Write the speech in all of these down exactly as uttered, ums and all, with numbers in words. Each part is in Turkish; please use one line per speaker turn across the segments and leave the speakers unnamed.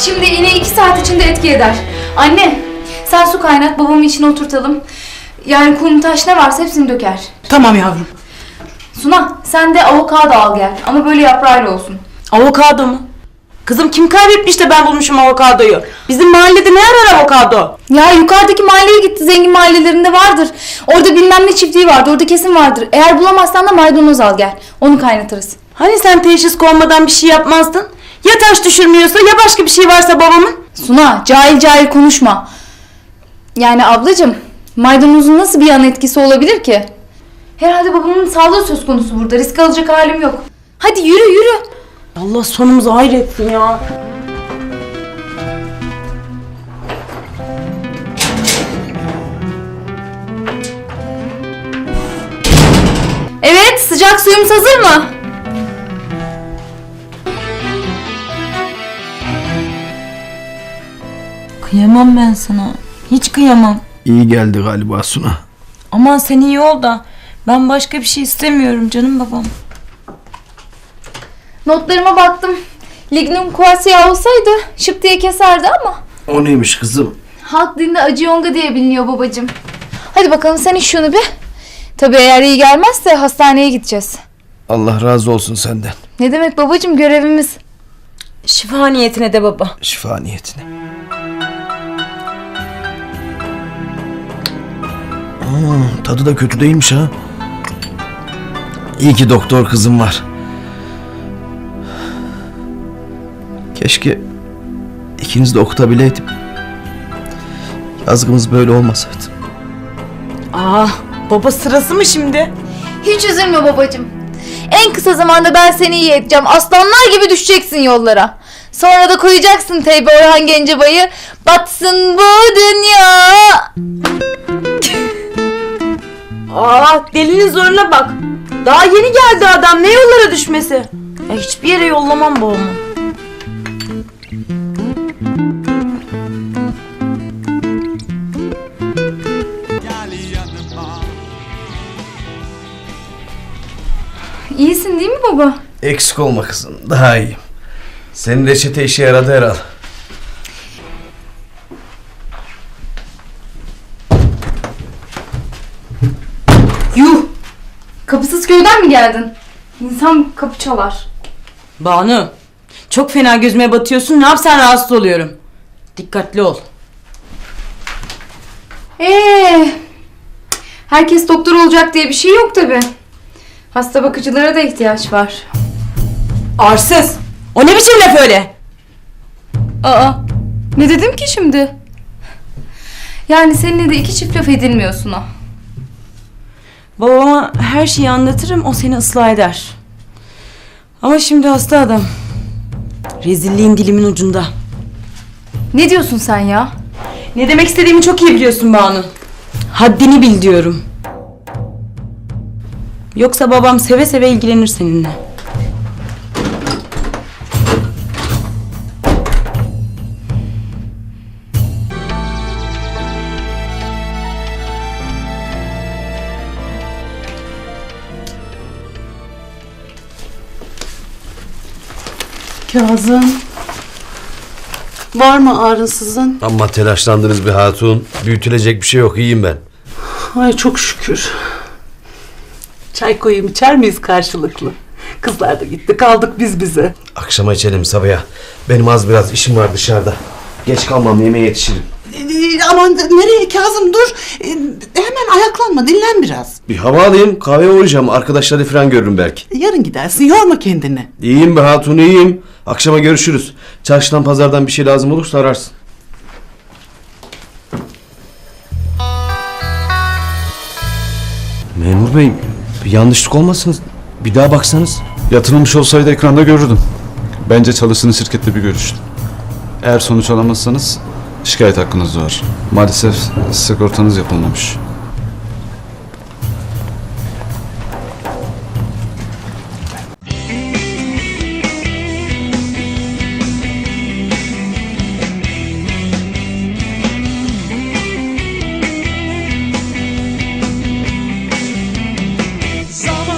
Şimdi iğne iki saat içinde etki eder. Anne, sen su kaynat, babamın içine oturtalım. Yani kum, taş ne varsa hepsini döker.
Tamam yavrum.
Suna, sen de avokado al gel. Ama böyle yaprağıyla olsun.
Avokado mu? Kızım kim kaybetmiş de ben bulmuşum avokadoyu? Bizim mahallede ne arar avokado?
Ya yukarıdaki mahalleye gitti, zengin mahallelerinde vardır. Orada bilmem ne çiftliği vardı, orada kesin vardır. Eğer bulamazsan da maydanoz al gel. Onu kaynatırız.
Hani sen teşhis konmadan bir şey yapmazdın? Ya taş düşürmüyorsa ya başka bir şey varsa babamın?
Suna, cahil cahil konuşma. Yani ablacığım, maydanozun nasıl bir yan etkisi olabilir ki? Herhalde babamın sağlığı söz konusu burada. Risk alacak halim yok. Hadi yürü yürü.
Allah sonumuzu hayretsin ya.
Evet, sıcak suyumuz hazır mı?
Kıyamam ben sana. Hiç kıyamam.
İyi geldi galiba Suna.
Aman sen iyi ol da. Ben başka bir şey istemiyorum canım babam.
Notlarıma baktım. Lignum quassia olsaydı şıp diye keserdi ama.
O neymiş kızım?
Halk dilinde acı yonga diye biliniyor babacığım. Hadi bakalım sen iç şunu bir. Tabii eğer iyi gelmezse hastaneye gideceğiz.
Allah razı olsun senden.
Ne demek babacığım, görevimiz.
Şifa niyetine de baba.
Şifa niyetine. Aa, tadı da kötü değilmiş ha. İyi ki doktor kızım var. Keşke ikiniz de okutabileydim. Yazgımız böyle olmasaydı.
Aa, baba sırası mı şimdi?
Hiç üzülme babacığım. En kısa zamanda ben seni iyi edeceğim. Aslanlar gibi düşeceksin yollara. Sonra da koyacaksın teybe Orhan Gencebay'ı. Batsın bu dünya.
Aa, delinin zoruna bak. Daha yeni geldi adam, ne yollara düşmesi. Ya hiçbir yere yollamam babamı.
İyisin değil mi baba?
Eksik olma kızım, daha iyiyim. Senin reçete işe yaradı herhal.
Yuh! Kapısız köyden mi geldin? İnsan kapı çalar.
Banu, çok fena gözüme batıyorsun. Ne yapsan rahatsız oluyorum. Dikkatli ol.
Ee, herkes doktor olacak diye bir şey yok tabi. Hasta bakıcılara da ihtiyaç var.
Arsız! O ne biçim laf öyle?
Aa, ne dedim ki şimdi? Yani seninle de iki çift laf edilmiyorsun o.
Babama her şeyi anlatırım, o seni ıslah eder. Ama şimdi hasta adam. Rezilliğin dilimin ucunda.
Ne diyorsun sen ya?
Ne demek istediğimi çok iyi biliyorsun Banu. Haddini bil diyorum. Yoksa babam seve seve ilgilenir seninle.
Kazım. Var mı ağrınsızın?
Amma telaşlandınız bir hatun. Büyütülecek bir şey yok, iyiyim ben.
Ay çok şükür. Çay koyayım, içer miyiz karşılıklı? Kızlar da gitti, kaldık biz bize.
Akşama içelim Sabiha. Benim az biraz işim var dışarıda. Geç kalmam, yemeğe yetişirim.
Ee, aman nereye Kazım, dur. Ee, hemen ayaklanma, dinlen biraz.
Bir hava alayım, kahveye uğrayacağım. Arkadaşları falan görürüm belki.
Yarın gidersin, yorma kendini.
İyiyim be hatun, iyiyim. Akşama görüşürüz. Çarşıdan pazardan bir şey lazım olursa ararsın. Memur bey, bir yanlışlık olmasın. Bir daha baksanız.
Yatırılmış olsaydı ekranda görürdüm. Bence çalıştığınız şirkette bir görüşün. Eğer sonuç alamazsanız şikayet hakkınız var. Maalesef sigortanız yapılmamış.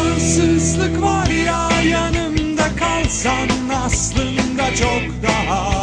Zamansızlık var ya, yanımda kalsan aslında çok daha